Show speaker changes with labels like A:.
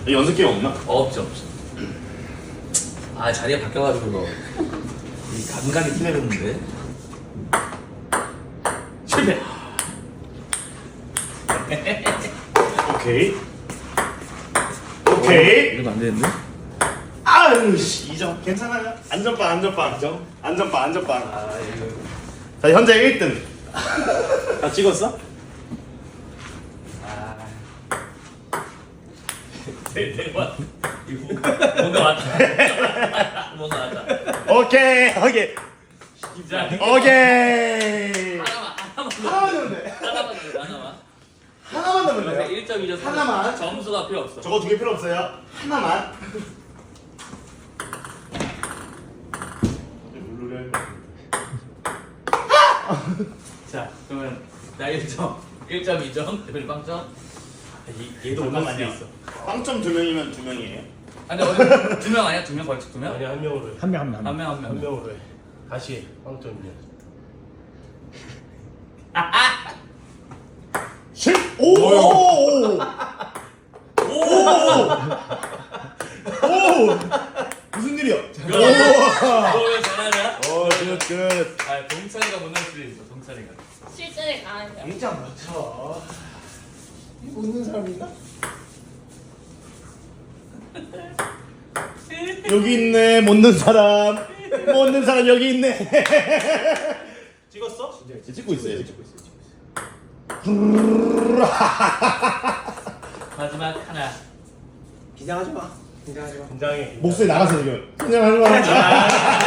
A: 연습 게임 없나?
B: 없죠. 아 자리가 바뀌어가지고 이 감각이 틀려졌는데. 실패.
A: 오케이. 오케이.
B: 이러면 안 되는데?
A: 아유 씨 2점 괜찮아요. 안전빵 안전빵. 안전빵 안전빵.
B: 아 이거.
A: 자 현재 1등. 다 찍었어?
B: 아. 대박. 이거 뭔가 왔다. 뭔가 왔다.
A: 오케이 오케이
B: 자,
A: 오케이.
B: 하나만
A: 하나만 넣으면 돼. 하나만 넣으면 돼요.
B: 1.2점
A: 하나만.
B: 점수가 필요 없어.
A: 저거 2개 필요 없어요. 하나만.
B: 자, 그러면 나 1점, 1.2점, 대표님 빵점.
A: 얘도
B: 잠깐만요.
A: 있어. 빵점 2명이면 2명이에요.
B: 아니, 2명 아니야? 2명 벌칙 2명?
C: 아니 한 명으로 해.
D: 한 명.
B: 한 명, 한
C: 한
B: 명.
C: 명으로 해. 다시 해. 빵점이야.
A: 10. 오. 무슨 일이야?
B: 너왜 잘하냐?
A: 굿.
B: 아, 동찬이가 못 넣을 수도 있어, 동찬이가.
E: 실전에 강한 점.
C: 1점 맞춰. 이거 웃는 사람 있나?
A: 여기 있네. 못 넣는 사람. 못 넣는 사람 여기 있네.
C: 찍었어?
A: 찍고 있어요.
B: 마지막 하나.
C: 긴장하지 마. 긴장해.
A: 목소리 나가서 지금. 그냥 하는 거 같아.